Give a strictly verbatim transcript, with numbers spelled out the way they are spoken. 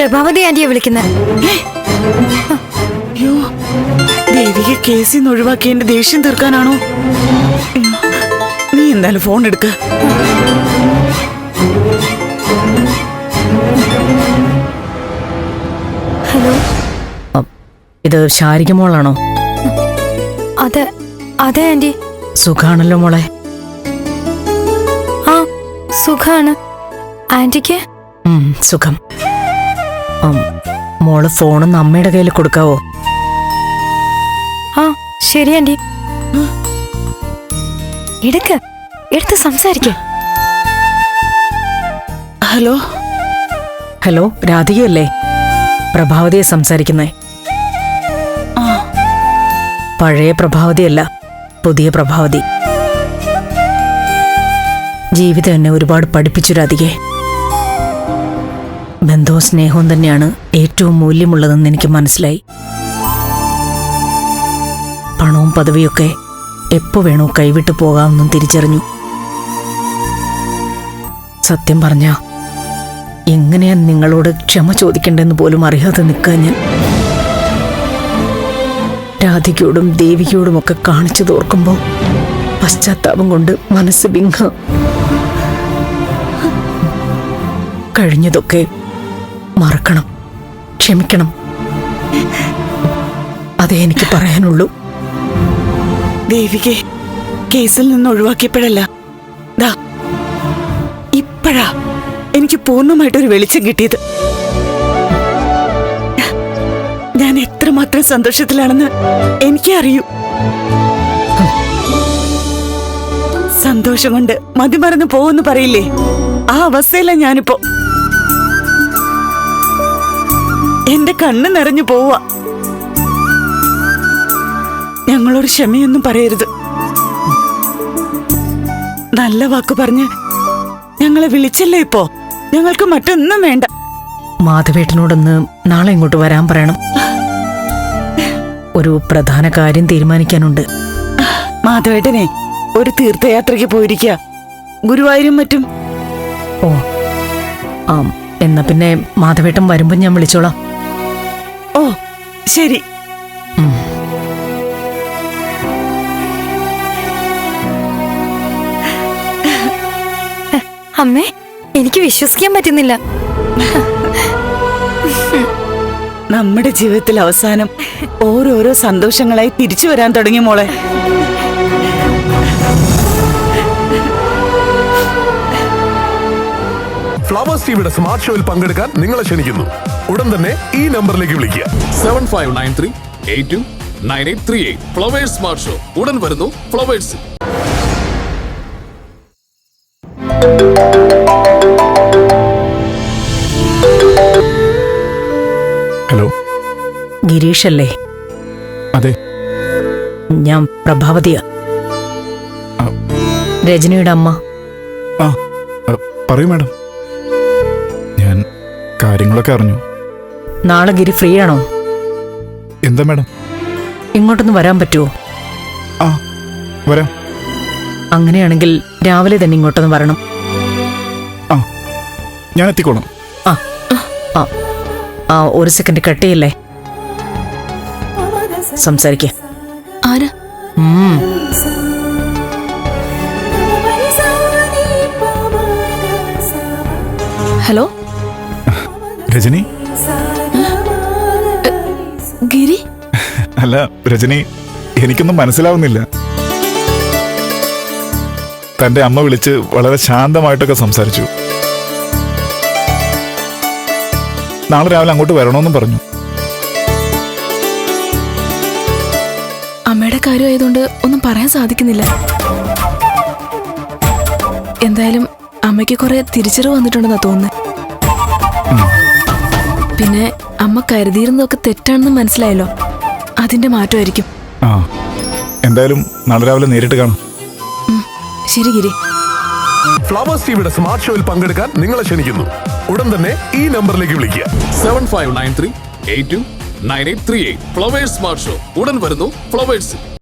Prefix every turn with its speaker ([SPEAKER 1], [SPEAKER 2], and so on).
[SPEAKER 1] പ്രഭാവതി ആന്റിയെ വിളിക്കുന്നത്.
[SPEAKER 2] അയ്യോ, ദേവിക കേസിൽ നിന്ന് ഒഴിവാക്കി എന്റെ ദേഷ്യം തീർക്കാനാണോ? നീ എന്തായാലും ഫോൺ എടുക്ക.
[SPEAKER 1] ഹലോ,
[SPEAKER 3] ഇത് ശാരിക മോളാണോ?
[SPEAKER 1] അതെ അതെ ആന്റി.
[SPEAKER 3] സുഖാണല്ലോ മോളെ?
[SPEAKER 1] ആ സുഖാണ്. ആന്റിക്ക്?
[SPEAKER 3] സുഖം. മോള് ഫോണൊന്ന് അമ്മയുടെ കയ്യിൽ കൊടുക്കാവോ?
[SPEAKER 1] ആ ശരി ആന്റി. എടുക്ക്, എടുത്ത് സംസാരിക്ക.
[SPEAKER 2] ഹലോ
[SPEAKER 3] ഹലോ, രാധികയല്ലേ? പ്രഭാവതിയെ സംസാരിക്കുന്നേ. പഴയ പ്രഭാവതിയല്ല, പുതിയ പ്രഭാവതി. ജീവിതം എന്നെ ഒരുപാട് പഠിപ്പിച്ചു രാധികെ. ബന്ധവും സ്നേഹവും തന്നെയാണ് ഏറ്റവും മൂല്യമുള്ളതെന്ന് എനിക്ക് മനസ്സിലായി. പണവും പദവിയൊക്കെ എപ്പോ വേണോ കൈവിട്ടു പോകാമെന്നും തിരിച്ചറിഞ്ഞു. സത്യം പറഞ്ഞ എങ്ങനെയാ നിങ്ങളോട് ക്ഷമ ചോദിക്കണ്ടെന്ന് പോലും അറിയാതെ നിൽക്കാൻ ഞാൻ. രാധികയോടും ദേവികയോടുമൊക്കെ കാണിച്ചു തോർക്കുമ്പോൾ പശ്ചാത്താപം കൊണ്ട് മനസ്സ് വിങ്ങ. കഴിഞ്ഞതൊക്കെ മറക്കണം, ക്ഷമിക്കണം. അതേ എനിക്ക് പറയാനുള്ളൂ.
[SPEAKER 2] ദേവികെ കേസിൽ നിന്ന് ഒഴിവാക്കിയപ്പോഴല്ല, ദാ ഇപ്പോഴാ എനിക്ക് പൂർണ്ണമായിട്ടൊരു വെളിച്ചം കിട്ടിയത്. ഞാൻ എത്രമാത്രം സന്തോഷത്തിലാണെന്ന് എനിക്കേ അറിയൂ. സന്തോഷം കൊണ്ട് മതിമറന്ന് പോവെന്ന് പറയില്ലേ, ആ അവസ്ഥയില ഞാനിപ്പോ. എന്റെ കണ്ണ് നിറഞ്ഞു പോവാ. ഞങ്ങളോട് ക്ഷമയൊന്നും പറയരുത്. നല്ല വാക്ക് പറഞ്ഞ് ഞങ്ങളെ വിളിച്ചല്ലേ ഇപ്പോ. ഞങ്ങൾക്ക് മറ്റൊന്നും വേണ്ട.
[SPEAKER 3] മാധവേട്ടനോടൊന്ന് നാളെ ഇങ്ങോട്ട് വരാൻ പറയണം. ഒരു പ്രധാന കാര്യം തീരുമാനിക്കാനുണ്ട്.
[SPEAKER 2] മാധവേട്ടനെ ഒരു തീർത്ഥയാത്രയ്ക്ക് പോയിരിക്കുക, ഗുരുവായൂരും മറ്റും.
[SPEAKER 3] ഓ ആ, എന്നാ പിന്നെ മാധവേട്ടൻ വരുമ്പോ ഞാൻ വിളിച്ചോളാം.
[SPEAKER 2] ഓ ശരി.
[SPEAKER 1] അമ്മേ, എനിക്ക് വിശ്വസിക്കാൻ പറ്റുന്നില്ല.
[SPEAKER 2] നമ്മുടെ ജീവിതത്തിൽ അവസാനം ഓരോരോ സന്തോഷങ്ങളായി തിരിച്ചു വരാൻ തുടങ്ങി മോളെ.
[SPEAKER 4] ഫ്ലവേഴ്സ് ടിവിയുടെ സ്മാർട്ട് ഷോയിൽ പങ്കെടുക്കാൻ നിങ്ങളെ ക്ഷണിക്കുന്നു. ഉടൻ തന്നെ ഈ നമ്പറിലേക്ക് വിളിക്കുക.
[SPEAKER 5] Seven five nine three eight two nine eight three eight. Flowers smart show ഉടൻ വരുന്നു ഫ്ലവേഴ്സ്.
[SPEAKER 4] ഹലോ,
[SPEAKER 3] ഗിരീഷ് അല്ലേ?
[SPEAKER 4] അതെ.
[SPEAKER 3] ഞാൻ പ്രഭാവതിയാ, രജനിയുടെ അമ്മ.
[SPEAKER 4] ആ പറയൂ മാഡം. ഞാൻ കാര്യങ്ങളൊക്കെ അറിഞ്ഞു.
[SPEAKER 3] നാളെ ഗിരി ഫ്രീ ആണോ?
[SPEAKER 4] എന്താ മാഡം?
[SPEAKER 3] ഇങ്ങോട്ടൊന്ന് വരാൻ പറ്റുമോ?
[SPEAKER 4] ആ വരാം.
[SPEAKER 3] അങ്ങനെയാണെങ്കിൽ രാവിലെ തന്നെ ഇങ്ങോട്ടൊന്ന് വരണം.
[SPEAKER 4] ആ ഞാൻ എത്തിക്കോളാം.
[SPEAKER 3] ആ ആ ആ ഒരു സെക്കൻഡ് കട്ട് ചെയ്യല്ലേ, സംസാരിക്ക.
[SPEAKER 1] ആരാ? ഹലോ
[SPEAKER 4] രജനി?
[SPEAKER 1] ഗിരി?
[SPEAKER 4] അല്ല രജനി, എനിക്കൊന്നും മനസ്സിലാവുന്നില്ല. തന്റെ അമ്മ വിളിച്ച് വളരെ ശാന്തമായിട്ടൊക്കെ സംസാരിച്ചു. നാളെ രാവിലെ അങ്ങോട്ട് വരണമെന്നും പറഞ്ഞു.
[SPEAKER 6] അമ്മയുടെ കാര്യമായതുകൊണ്ട് ഒന്നും പറയാൻ സാധിക്കുന്നില്ല. എന്തായാലും അമ്മയ്ക്ക് കുറെ തിരിച്ചറിവ് വന്നിട്ടുണ്ടെന്നാ തോന്നുന്നത്. പിന്നെ അമ്മ കരുതിയിരുന്നതൊക്കെ തെറ്റാണെന്ന് മനസ്സിലായല്ലോ, അതിന്റെ മാറ്റമായിരിക്കും.
[SPEAKER 4] ആ എന്തായാലും നാളെ രാവിലെ നേരിട്ട് കാണാം.
[SPEAKER 6] ശരി ഗിരി.
[SPEAKER 4] ഫ്ലവേഴ്സ് ടിവിയുടെ സ്മാർട്ട് ഷോയിൽ പങ്കെടുക്കാൻ നിങ്ങളെ ക്ഷണിക്കുന്നു. ഉടൻ തന്നെ ഈ നമ്പറിലേക്ക് വിളിക്കുക.
[SPEAKER 5] Seven five nine three eight two nine eight three eight. Flowers smart show ഉടൻ വരുന്നു ഫ്ലവേഴ്സ്.